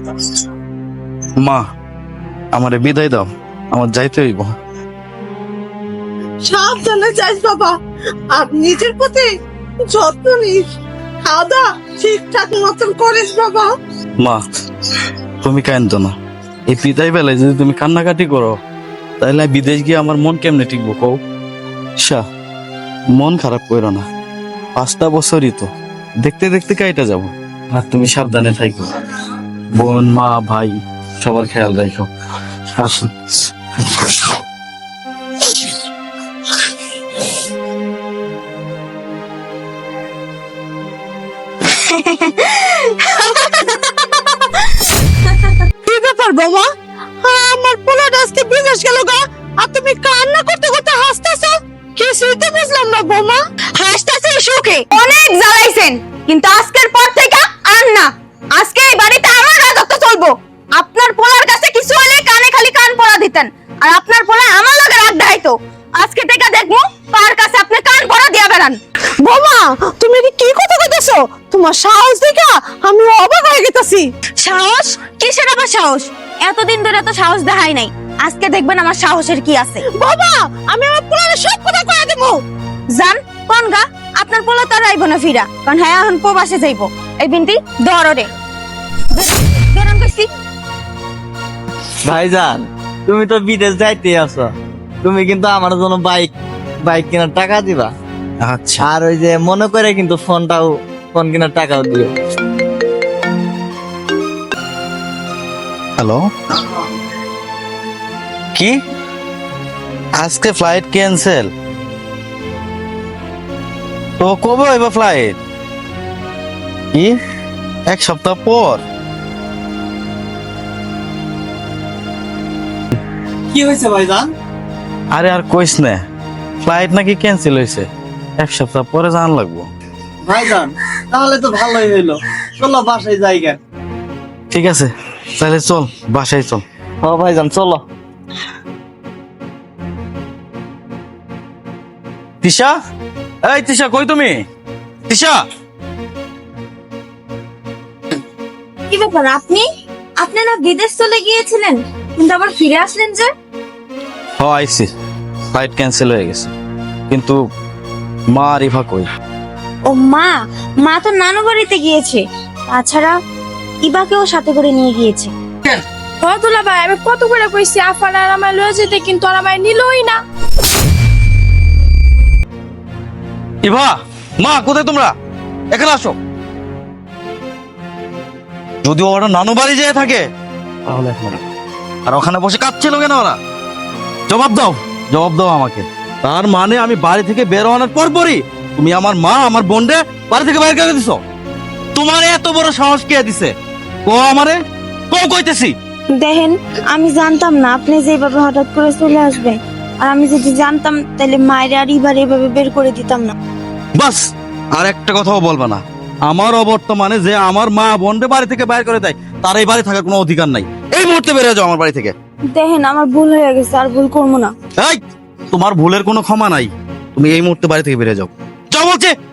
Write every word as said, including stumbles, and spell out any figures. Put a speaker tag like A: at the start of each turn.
A: মা আমারে বিদায় দাও, আমার যাইতে হইব।
B: সাবধানে যাইস বাবা, আর নিজের প্রতি যত্ন নিস, খাওয়া দাওয়া ঠিকঠাক মতন করিস বাবা।
A: মা তুমি কাঁদো না, এই বিদায় বেলায় যদি তুমি কান্নাকাটি করো তাহলে বিদেশ গিয়ে আমার মন কেমনে টিকবো কও? শাহ মন খারাপ করো না, পাঁচটা বছরই তো, দেখতে দেখতে কাইটা যাব। আর তুমি সাবধানে থাকো, বোন মা ভাই সবার খেয়াল রাখো। আসুন।
B: কি ব্যাপার বাবা, আমার পোলাটা আজকে বিদেশ গেল গা, আর তুমি কান্না করতে করতে হাসতেছো? কিছুই তো বুঝলাম না বৌমা।
C: হাসতেছি সুখে, অনেক জ্বালাইছেন, কিন্তু আজকের পর থেকে আর না। আজকে এই বাড়িতে আমার রাজত্ব চলবো। আপনার পোলার কাছে কিছু হলে কানে খালি কান পড়া দিতেন, আর আপনার পোলা আমার লগে রাগ দেখাইতো। আজকে থেকে দেখবো তার কাছে আপনি কান পড়া দিয়া বেড়ান।
B: বৌমা তুমি কি কি কথা কইতেছো? তোমার সাহস দেখা আমি অবাক হয়ে গেছি।
C: সাহস? কিসের আবার সাহস? এতদিন ধরে তো সাহস দেখাই নাই, আজকে দেখবেন আমার সাহসের কি আছে।
B: বাবা আমি আমার পোলারে সব কথা কয়ে দেবো।
C: জান কোন গা, আপনার পোলা তো আর আইব না ফিরা, কারণ হ্যাঁ এখন প্রবাসে যাইবো। এই বিনতি ধরো রে, বেরান কইছি।
D: ভাইজান তুমি তো বিদেশ যাইতে আছো, তুমি কিন্তু আমার জন্য বাইক বাইক কেনার টাকা দিবা।
A: আচ্ছা
D: আর ওই যে মনে করে কিন্তু ফোনটাও ফোন কেনার টাকাও দিও।
A: হ্যালো, কি আজকে ফ্লাইট ক্যান্সেল? তো কবে হইব ফ্লাইট? কি এক সপ্তাহ পর?
D: কি হয়েছে ভাইজান?
A: আরে আর কইস না, ফ্লাইট নাকি ক্যান্সেল হয়েছে, এক সপ্তাহ পরে জান লাগবো।
D: ভাইজান তাহলে তো ভালোই হইলো, চলো বাসায় যাইগা।
A: ঠিক আছে তাহলে চল বাসায় চল।
D: ও ভাইজান চলো।
A: তিশা, এই তিশা কই তুমি? তিশা,
C: কি ব্যাপার আপনি? আপনি না বিদেশ চলে গিয়েছিলেন, কিন্তু আবার ফিরে আসলেন যে?
A: হ আইছি, ফ্লাইট ক্যান্সেল হয়ে গেছে, কিন্তু মা আর ইভা কই?
C: ও মা, মা তো নানু বাড়িতে গিয়েছে, তাছাড়া ইবাকেও সাথে করে নিয়ে গিয়েছে।
E: দুলা ভাই আমি কত করে কইছি আফান আর আমার লয়ে যেতে, কিন্তু আর আমার নিলই না।
A: ইভা, মা কোথায় তোমরা? এখানে আসো। যদি ওরা নানু বাড়ি যেয়ে থাকে তাহলে এখন আর ওখানে বসে কাঁদছিল কেন ওরা? জবাব দাও, জবাব দাও আমাকে। তার মানে আমি বাড়ি থেকে বের হওয়ার পর পরই তুমি আমার মা আমার বোনরে বাড়ি থেকে বাইরে করে দিছো? তোমার এত বড় সাহস কে দিছে? কো আমারে, কো কইতেছি।
C: দেখেন আমি জানতাম না আপনি যেভাবে হঠাৎ করে চলে আসবেন, আর আমি যদি জানতাম তাহলে মায়ের আর ইবার এভাবে বের করে দিতাম না।
A: বাস আর একটা কথাও বলবা না। আমার অবর্তমানে যে আমার মা বোনরে বাড়ি থেকে বাইরে করে দেয় তার এই বাড়ি থাকার কোনো অধিকার নাই। এই মুহূর্তে বেরিয়ে যাও আমার বাড়ি থেকে।
C: দেখেন আমার ভুল হয়ে গেছে, আর ভুল করবো না।
A: এই তোমার ভুলের কোনো ক্ষমা নাই, তুমি এই মুহূর্তে বাড়ি থেকে বেরিয়ে যাও। যাও বলছে।